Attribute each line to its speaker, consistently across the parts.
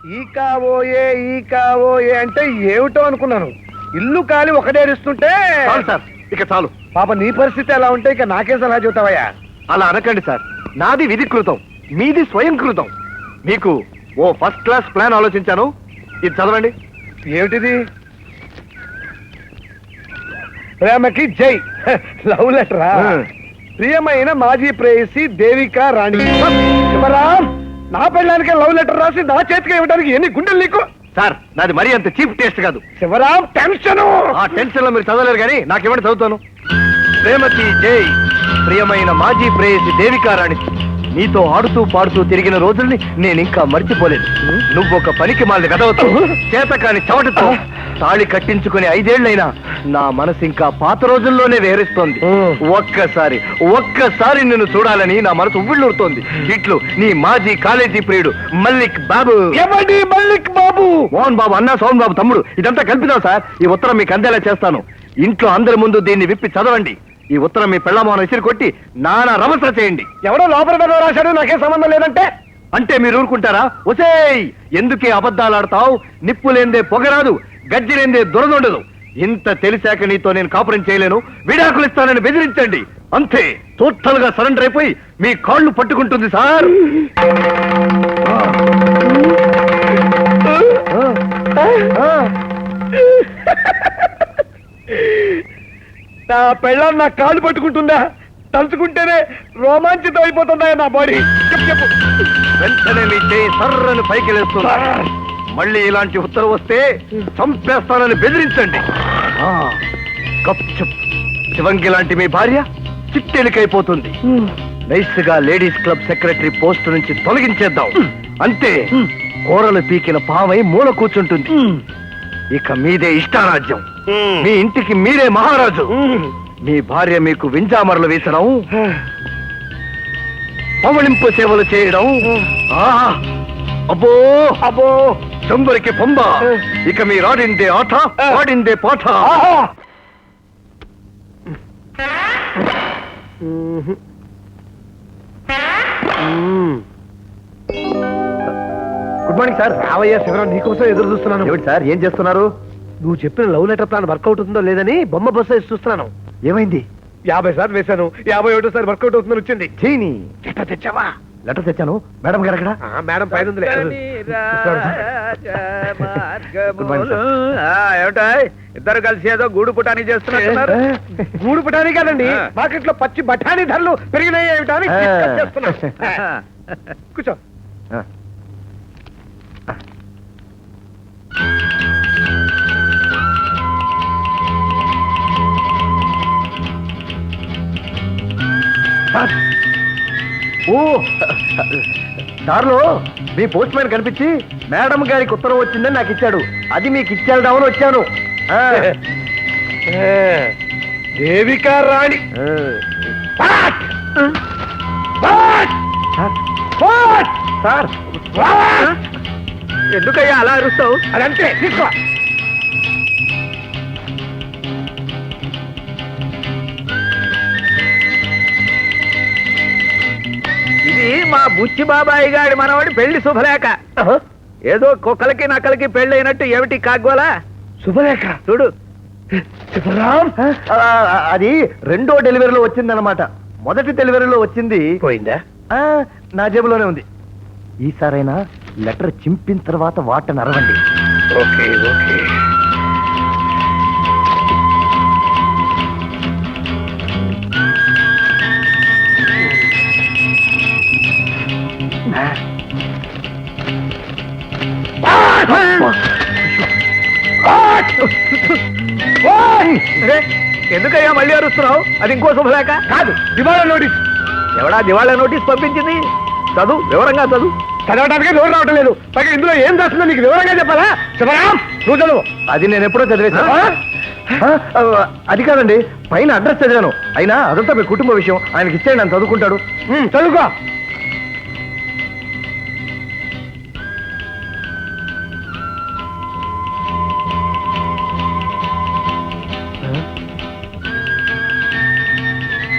Speaker 1: ఈ కావోయే అంటే ఏమిటో అనుకున్నాను. ఇల్లు కాలి ఒకటేరిస్తుంటే
Speaker 2: సార్ ఇక చాలు.
Speaker 1: పాప నీ పరిస్థితి ఎలా ఉంటే ఇక నాకే సలహా చెబుతావయ్యా.
Speaker 2: అలా అనకండి సార్. నాది విధికృతం, మీది స్వయంకృతం. మీకు ఓ ఫస్ట్ క్లాస్ ప్లాన్ ఆలోచించాను. ఇది చదవండి.
Speaker 1: ఏమిటిది? ప్రేమకి జై లవ్ లెటరా? ప్రియమైన మాజీ ప్రేయసి దేవికా రాణి. శివరాం, నా పెళ్ళానికే లవ్ లెటర్ రాసి నా చేతికి ఇవ్వడానికి ఎన్ని గుండెలు నీకు?
Speaker 2: సార్ నాది మరీ అంత చీప్ టేస్ట్ కాదు.
Speaker 1: శివరాం, టెన్షన్.
Speaker 2: ఆ టెన్షన్ లో మీరు చదవలేరు కానీ నాకేమంటే చదువుతాను. ప్రేమకి జై, ప్రియమైన మాజీ ప్రేయసి దేవికా రాణి, నీతో ఆడుతూ పాడుతూ తిరిగిన రోజుల్ని నేను ఇంకా మర్చిపోలేదు. నువ్వు ఒక పనికి మాలిన గదవతో చేతకాని చవటతో తాళి కట్టించుకుని 5 ఏళ్లైనా నా మనసు ఇంకా పాత రోజుల్లోనే వేరేస్తోంది. ఒక్కసారి నిన్ను చూడాలని నా మనసు ఉవ్విళ్ళూరుతోంది. ఇట్లు నీ మాజీ కాలేజీ ప్రియుడు మల్లిక్ బాబు.
Speaker 1: ఎవడి మల్లిక్ బాబు?
Speaker 2: మోహన్ బాబు అన్న సోహన్ బాబు తమ్ముడు. ఇదంతా కల్పిదాం సార్. ఈ ఉత్తరం మీకు అందేలా చేస్తాను. ఇంట్లో అందరి ముందు దీన్ని విప్పి చదవండి. ఈ ఉత్తరం మీ పెళ్ళమోహన్ విసిరి కొట్టి నానా రమస చేయండి.
Speaker 1: ఎవడో లోపల రాశాడు, నాకే సంబంధం లేదంటే
Speaker 2: అంటే మీరు ఊరుకుంటారా? ఒసేయ్, ఎందుకే అబద్ధాలు ఆడతావు? నిప్పు లేందే పొగరాదు, గజ్జి లేందే దురదుండదు. ఇంత తెలిసాక నీతో నేను కాపురం చేయలేను, విడాకులు ఇస్తానని బెదిరించండి. అంతే, టోటల్ గా సరెండర్ అయిపోయి మీ కాళ్ళు పట్టుకుంటుంది సార్.
Speaker 1: నా పెళ్ళాన్ని నా కాళ్ళు పట్టుకుంటుందా? తలుచుకుంటేనే రోమాంచితం అయిపోతుందా నా బాడీ? చెప్పు.
Speaker 2: వెంటనే మీ చేయి సర్రను పైకి లేస్తున్నా. మళ్ళీ ఇలాంటి ఉత్తరం వస్తే చంపేస్తానని బెదిరించండి. గప్చుప్. శివంగి లాంటి మీ భార్య చిట్టెలికైపోతుంది. నైస్ గా లేడీస్ క్లబ్ సెక్రటరీ పోస్ట్ నుంచి తొలగించేద్దాం. అంతే, కూరలు పీకిన పావై మూల కూర్చుంటుంది. ఇక మీదే ఇష్టారాజ్యం. మీ ఇంటికి మీరే మహారాజు. మీ భార్య మీకు వింజామరలు వేసడం, పవళింపు సేవలు చేయడం. అబ్బో అబ్బో, చంబరికి పొంబ. ఇక మీ రాడిందే ఆట, వాడిందే పాట.
Speaker 1: Good morning sir. రావయ్యా శివరాం, నీకోసం ఎదురు చూస్తున్నాను.
Speaker 2: ఏమిటి సార్, ఏం చేస్తున్నారు?
Speaker 1: నువ్వు చెప్పిన లవ్ లెటర్ ప్లాన్ వర్కౌట్ అవుతుందో లేదని బొమ్మ బస్సు వేసి చూస్తున్నాను.
Speaker 2: ఏమైంది?
Speaker 1: 50 సార్లు వేశాను, 51 వర్కౌట్ అవుతుందని వచ్చింది.
Speaker 2: చీని
Speaker 1: లెటర్ తెచ్చావా?
Speaker 2: లెటర్ తెచ్చాను. మేడం గారు అక్కడ?
Speaker 1: మేడం పైన ఉందిలే.
Speaker 3: ఏమిటా ఇద్దరు కలిసి ఏదో గూడు పుటానికి చేస్తున్నారు?
Speaker 1: గూడు పుటానికి కాదండి, మార్కెట్ లో పచ్చి బఠానీ ధరలు పెరిగినాయి ఏమిటా అని చేస్తున్నా. కూర్చో.
Speaker 2: ఓ, దారిలో మీ పోస్ట్ మ్యాన్ కనిపించి మేడం గారికి ఉత్తరం వచ్చిందని నాకు ఇచ్చాడు. అది మీకు ఇచ్చేద్దామని వచ్చాను.
Speaker 1: దేవికా రాణి.
Speaker 2: సార్,
Speaker 1: ఎందుకయ్యా అలా అరుస్తావు? అదంతే, తీసుకో.
Speaker 3: ఇది మా బుచ్చి బాబాయి గారి మనవాడి పెళ్లి శుభలేఖ. ఏదో కుక్కలకి నక్కలకి పెళ్లి అయినట్టు ఏమిటి కాగ్గోలా?
Speaker 1: శుభలేఖ
Speaker 3: చూడు.
Speaker 1: శివరాం,
Speaker 2: అది 2వ డెలివరీలో వచ్చిందన్నమాట. మొదటి డెలివరీలో వచ్చింది
Speaker 1: పోయిందా?
Speaker 2: నా జేబులోనే ఉంది. ఈసారైనా లెటర్ చింపిన తర్వాత వాటని అరవండి.
Speaker 1: Okay okay.
Speaker 3: ఎందుకయ్యా మళ్ళీ అరుస్తున్నావు? అది ఇంకో శుభలేఖ
Speaker 1: కాదు, దివాళా నోటీస్.
Speaker 3: ఎవడా దివాళా నోటీస్ పంపించింది? చదువు, వివరంగా చదువు.
Speaker 1: చదవడానికి నోరు రావటం లేదు. పైగా ఇందులో ఏం రాస్తుందో నీకు వివరంగా చెప్పాలా? శివరాం, నువ్వు చదువు.
Speaker 2: అది నేను ఎప్పుడో చదివేశాను. అది కాదండి, పైన అడ్రస్ చదివాను. అయినా అదంతా మీ కుటుంబ విషయం. ఆయనకి ఇచ్చేయండి, ఆయన చదువుకుంటాడు.
Speaker 1: చదువుకో.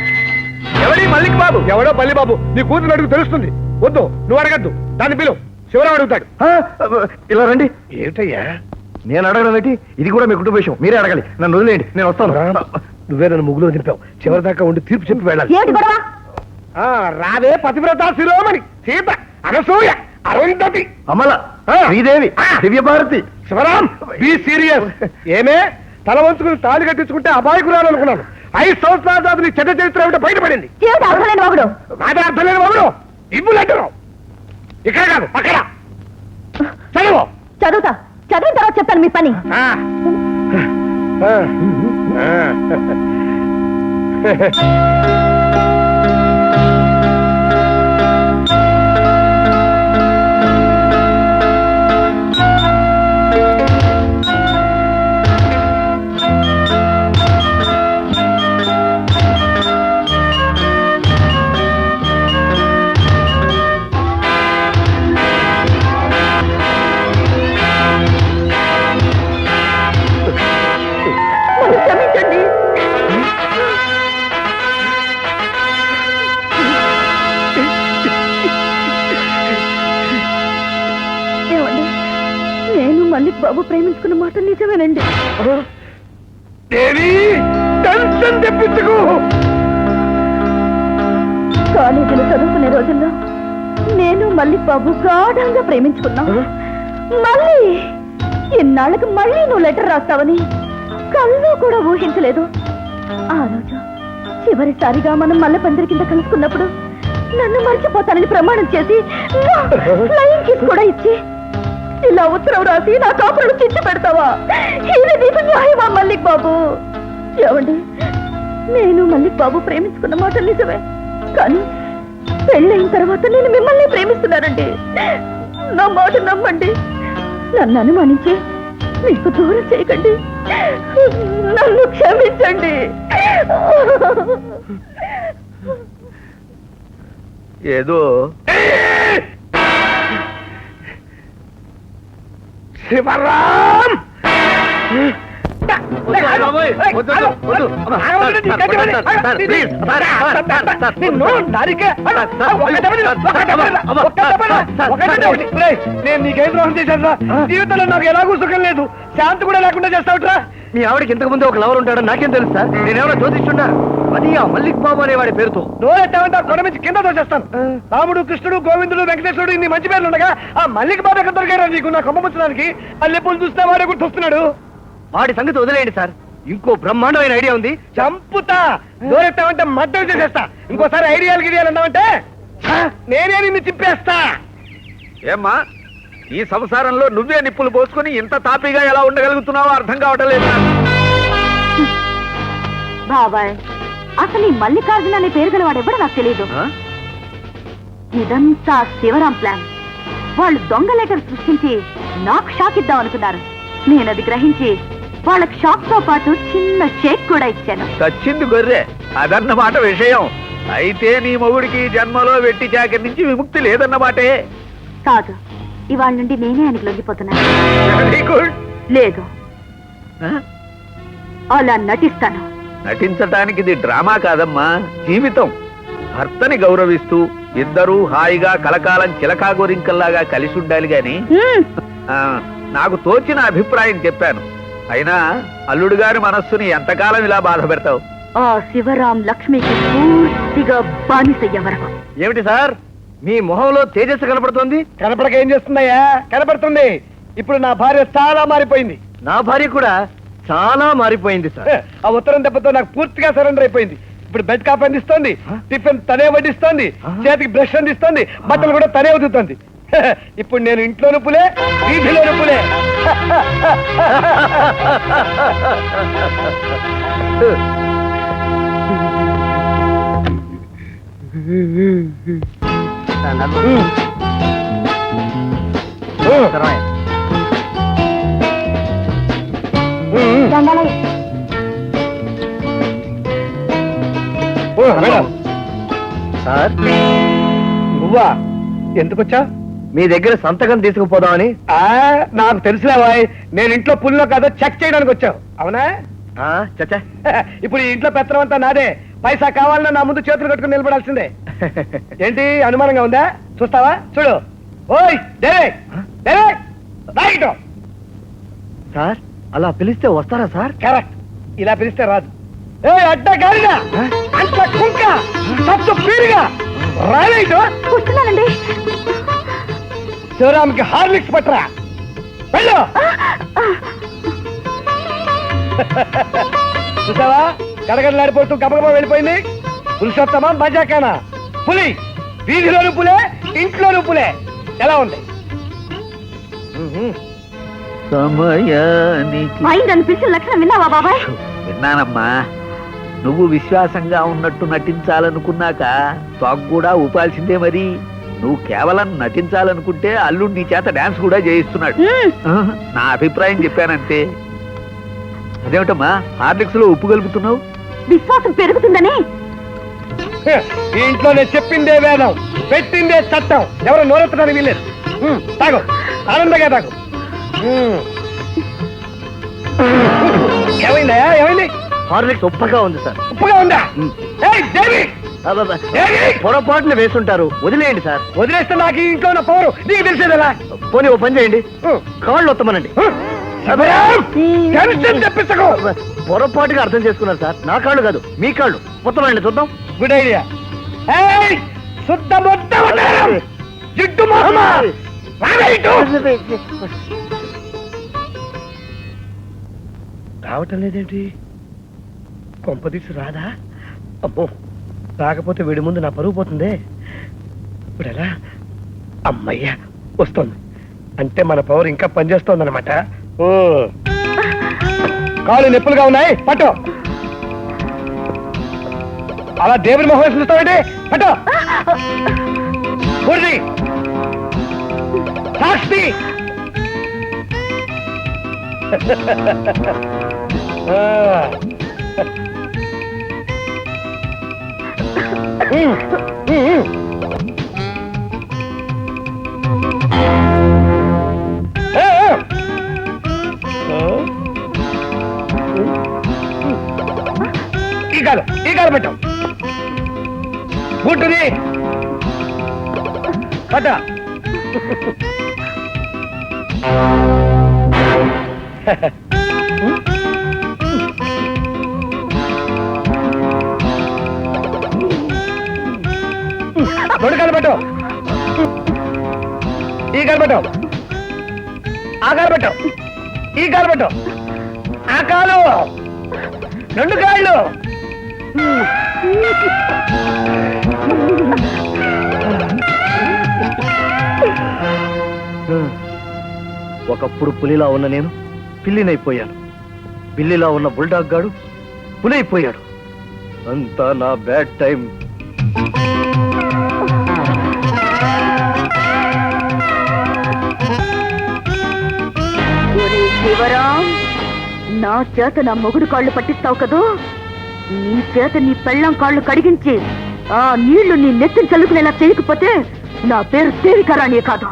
Speaker 3: ఎవడి మల్లిక్ బాబు?
Speaker 1: ఎవడో పల్లి బాబు. నీ కూతురు అడుగు తెలుస్తుంది. వద్దు, నువ్వు అడగద్దు. దాన్ని పిలువు. శివరాం అడుగుతాడు.
Speaker 2: ఇలా రండి.
Speaker 1: ఏమిటయ్యా
Speaker 2: నేను అడగడం ఏంటి? ఇది కూడా మీ కుటుంబ విషయం, మీరే అడగాలి. నన్ను వదిలేయండి, నేను వస్తాను.
Speaker 1: నువ్వే నన్ను ముగ్గులో దింపావు. చివరి దాకా ఉండి తీర్పు చెప్పి వెళ్ళాలి.
Speaker 4: ఏమిటి గొడవ?
Speaker 1: రావే పతివ్రత శిరోమణి సీత, అనసూయ, అరుంధతి,
Speaker 2: అమల, శ్రీదేవి, దివ్యభారతి.
Speaker 1: Sivaram be serious. ఏమే తల వంచుకుని తాళి కట్టించుకుంటే అబాయకురాలు అనుకున్నాను. 5 సంవత్సరాల తర్వాత నీ చెడ్డ చరిత్ర ఏమిటో బయటపడింది.
Speaker 4: ఏమిటి అర్థమైన వాగుడు?
Speaker 1: నాదే అర్థం లేని బాబుడు ఇబ్బులు అంటున్నావు. ఇక్కడ కాదు అక్కడ చదువు.
Speaker 4: చదువుతా, చదివిన తర్వాత చెప్తాను మీ పని. నన్ను క్షమించండి. ఏమండి, నేను మల్లిక్ బాబు ప్రేమించుకున్న మాట నిజమేనండి.
Speaker 1: దేవి టెన్షన్ తెప్పించుకో.
Speaker 4: కాలేజీలో చదువుకునే రోజుల్లో నేను మల్లిక్ బాబు గాఢంగా ప్రేమించుకున్నా. మళ్ళీ ఇన్నాళ్ళకి మళ్ళీ నువ్వు లెటర్ రాస్తావని కళ్ళు కూడా ఊహించలేదు. ఆ రోజు చివరిసారిగా మనం మల్లెపందిరి కింద కలుసుకున్నప్పుడు నన్ను మర్చిపోతానని ప్రమాణం చేసి ఫ్లయింగ్ కిస్ కూడా ఇచ్చి ఇలా ఉత్తరం రాసి నా కాపురం చిచ్చు పెడతావా? ఇది నీకు న్యాయమా మల్లిక్ బాబు? ఏమండి, నేను మల్లిక్ బాబు ప్రేమించుకున్న మాట నిజమే, కానీ పెళ్ళైన తర్వాత నేను మిమ్మల్ని ప్రేమిస్తున్నానండి. నా మాట నమ్మండి. నన్ను అనుమానించి మీకు దూరం చేయకండి. నన్ను క్షమించండి.
Speaker 3: ఏదో
Speaker 1: శివరాం నేను నీకేం ద్రోహం చేశాను రా? జీవితంలో నాకు ఎలాగూ సుఖం లేదు, శాంతి కూడా లేకుండా చేస్తావుట్రా.
Speaker 2: మీ ఆవిడకి ఇంతకు ముందు ఒక లవర్ ఉంటాడో నాకేం తెలుసు సార్? నేనేమైనా జ్యోతిష్యున్నా? అది ఆ మల్లిక్ బాబు అనేవాడి పేరుతో.
Speaker 1: నోరెట్టామంటే ఆ కొండ నుంచి కింద దోచేస్తాను. రాముడు, కృష్ణుడు, గోవిందుడు, వెంకటేశ్వరుడు ఇన్ని మంచి పేర్లు ఉండగా ఆ మల్లిక్ బాబు ఎక్కడ దొరికారా నీకు? నా కొమ్మపుచ్చడానికి మల్లెపూలు చూస్తే వాడే గుర్తొస్తున్నాడు.
Speaker 2: వాడి సంగతి వదిలేయండి సార్, ఇంకో బ్రహ్మాండమైన ఐడియా ఉంది.
Speaker 1: చంపుతా. నోరెట్టామంటే మద్దతు చేసేస్తా. ఇంకోసారి ఐడియాలు గిడియాలు అన్నామంటే నేనే నిన్ను చింపేస్తా.
Speaker 3: ఏమ్మా, ఈ సంసారంలో నువ్వే నిప్పులు పోసుకుని ఇంత తాపీగా ఎలా ఉండగలుగుతున్నావో అర్థం కావటం లేదు.
Speaker 4: బాబాయ్, అసలు ఈ మల్లికార్జున అనే పేరు గల వాడెవడో నాకు తెలియదు. ఇదంతా శివరాం ప్లాన్. వాళ్ళు దొంగ లెటర్ సృష్టించి నాకు షాక్ ఇద్దాం అనుకున్నారు. నేను అది గ్రహించి వాళ్ళకి షాక్ తో పాటు చిన్న షేక్ కూడా ఇచ్చాను.
Speaker 3: చచ్చింది గొర్రె, అదన్నమాట విషయం. అయితే నీ మొగుడికి జన్మలో వెట్టి చాకరి నుంచి విముక్తి లేదన్నమాటే.
Speaker 4: కాదు, ఇవాళ నుండి నేనే ఆయనకు లొంగిపోతున్నాను.
Speaker 3: Very good.
Speaker 4: లేదు, అలా నటిస్తాను.
Speaker 3: నటించటానికి ఇది డ్రామా కాదమ్మా, జీవితం. భర్తని గౌరవిస్తూ ఇద్దరూ హాయిగా కలకాలం చిలకా గోరింకల్లాగా కలిసి ఉండాలి గాని. నాకు తోచిన అభిప్రాయం చెప్పాను. అయినా అల్లుడు గారి మనస్సుని ఎంతకాలం ఇలా బాధ పెడతావు?
Speaker 4: ఆ శివరాం లక్ష్మికి పూర్తిగా బానిసయ్యే వరకు.
Speaker 2: ఏమిటి సార్, మీ మొహంలో తేజస్సు కనపడుతోంది?
Speaker 1: కనపడక ఏం చేస్తుందయ్యా? కనపడుతుంది. ఇప్పుడు నా భార్య చాలా మారిపోయింది.
Speaker 2: నా భార్య కూడా చాలా మారిపోయింది సార్.
Speaker 1: ఆ ఉత్తరం దెబ్బతో నాకు పూర్తిగా సరెండర్ అయిపోయింది. ఇప్పుడు బెడ్ కాఫీ అందిస్తోంది, టిఫిన్ తనే వడ్డిస్తోంది, చేతికి బ్రష్ అందిస్తోంది, బట్టలు కూడా తనే వదులుతోంది. ఇప్పుడు నేను ఇంట్లో నొప్పులే, వీధిలో నొప్పులే.
Speaker 2: సార్,
Speaker 1: నువ్వా? ఎందుకొచ్చా?
Speaker 2: మీ దగ్గర సంతకం తీసుకుపోదామని.
Speaker 1: నాకు తెలుసులేవాయ్, నేను ఇంట్లో పుల్లో కాదో చెక్ చేయడానికి వచ్చావు. అవునా?
Speaker 2: చచ్చా,
Speaker 1: ఇప్పుడు ఈ ఇంట్లో పెత్తనం అంతా నాదే. పైసా కావాలన్నా నా ముందు చేతులు కట్టుకుని నిలబడాల్సిందే. ఏంటి అనుమానంగా ఉందా? చూస్తావా? చూడు. ఓయ్ దేవే దేవే రైట్
Speaker 2: సార్ అలా పిలిస్తే వస్తారా సార్?
Speaker 1: కరెక్ట్, ఇలా పిలిస్తే రాదు. ఏ అడ్డ గారిగా అంత కుంక సత్తు పీరుగా రాలేదు.
Speaker 4: వస్తున్నానండి.
Speaker 1: శివరామ్కి హార్లిక్స్ పట్టరా వెళ్ళు. చూసావా గడగడలాడిపోతూ గబగబా వెళ్ళిపోయింది. పురుషోత్తమ మజాకానా పులి, వీధిలోను పులే ఇంట్లోను పులే. ఎలా ఉంది?
Speaker 3: సమయానికి
Speaker 4: అయిందని పిలిచిన లక్షణం విన్నావా బాబాయ్?
Speaker 3: విన్నానమ్మా. నువ్వు విశ్వాసంగా ఉన్నట్టు నటించాలనుకున్నాక తాగు కూడా ఊపాల్సిందే. మరి నువ్వు కేవలం నటించాలనుకుంటే అల్లుడు నీ చేత డాన్స్ కూడా చేయిస్తున్నాడు. నా అభిప్రాయం చెప్పానంతే. అదేమిటమ్మా హార్లిక్స్ లో ఉప్పు కలుపుతున్నావు?
Speaker 4: విశ్వాసం పెరుగుతుందని.
Speaker 1: ఈ ఇంట్లో నేను చెప్పిందే వేదం, పెట్టిందే చట్టం. ఎవరు నోరెత్తడానికి వీల్లేదు. తాగు, ఆనందంగా తాగు. ఏమైందా? ఏమైంది?
Speaker 2: హార్లిక్స్ ఉప్పగా ఉంది సార్.
Speaker 1: ఉప్పుగా ఉందా? ఏయ్ దేవి,
Speaker 2: అబ్బబ్బా.
Speaker 1: దేవి!
Speaker 2: పొరపాటున వేసుంటారు, వదిలేయండి సార్.
Speaker 1: వదిలేస్తే నాకు ఈ ఇంట్లో ఉన్న పవరు నీకు తెలిసేదలా?
Speaker 2: పోనీ ఓ పని చేయండి, కాళ్ళు వత్తమనండి.
Speaker 1: టెన్షన్ తెప్పించకు.
Speaker 2: పొరపాటుగా అర్థం చేసుకున్నారు సార్. నా కాళ్ళు కాదు, మీ కాళ్ళు మొత్తమండి. చూద్దాం.
Speaker 1: Good idea. ఏయ్ శుద్ధ మొత్తం జిడ్డు మొహమా రావటం లేదేంటి? కొంపదీసి రాదా? అబ్బో, రాకపోతే వీడి ముందు నా పరుగు పోతుందే. ఇప్పుడు ఎలా? అమ్మయ్యా వస్తుంది. అంటే మన పవర్ ఇంకా పనిచేస్తోందన్నమాట. ఓ కాళ్ళు నొప్పులుగా ఉన్నాయి, పట్టు. అలా దేవుని మొహం వేసి చూస్తావంటే పట్టు. పూర్తి సాక్షి. ఈ కాలు పెట్టాం. బుట్టుది పట్ట. రెండు కాలు పెట్టు. ఈ కాలు పెట్టు. ఆ కాలు పెట్టు. ఈ కాలు పెట్టు. ఆ కాలు. రెండు కాళ్ళు.
Speaker 2: ఒకప్పుడు పులిలా ఉన్న నేను పిల్లినైపోయాను. పిల్లిలా ఉన్న బుల్డాగ్ గాడు పులైపోయాడు. అంతా నా బ్యాడ్ టైం.
Speaker 4: శివరాం, నా చేత నా మొగుడు కాళ్ళు పట్టిస్తావు కదూ? నీ చేత నీ పెళ్ళం కాళ్ళు కడిగించి ఆ నీళ్లు నీ నెత్తిని చల్లుకునేలా చేయకపోతే నా పేరు దేవికారాణి కాదు.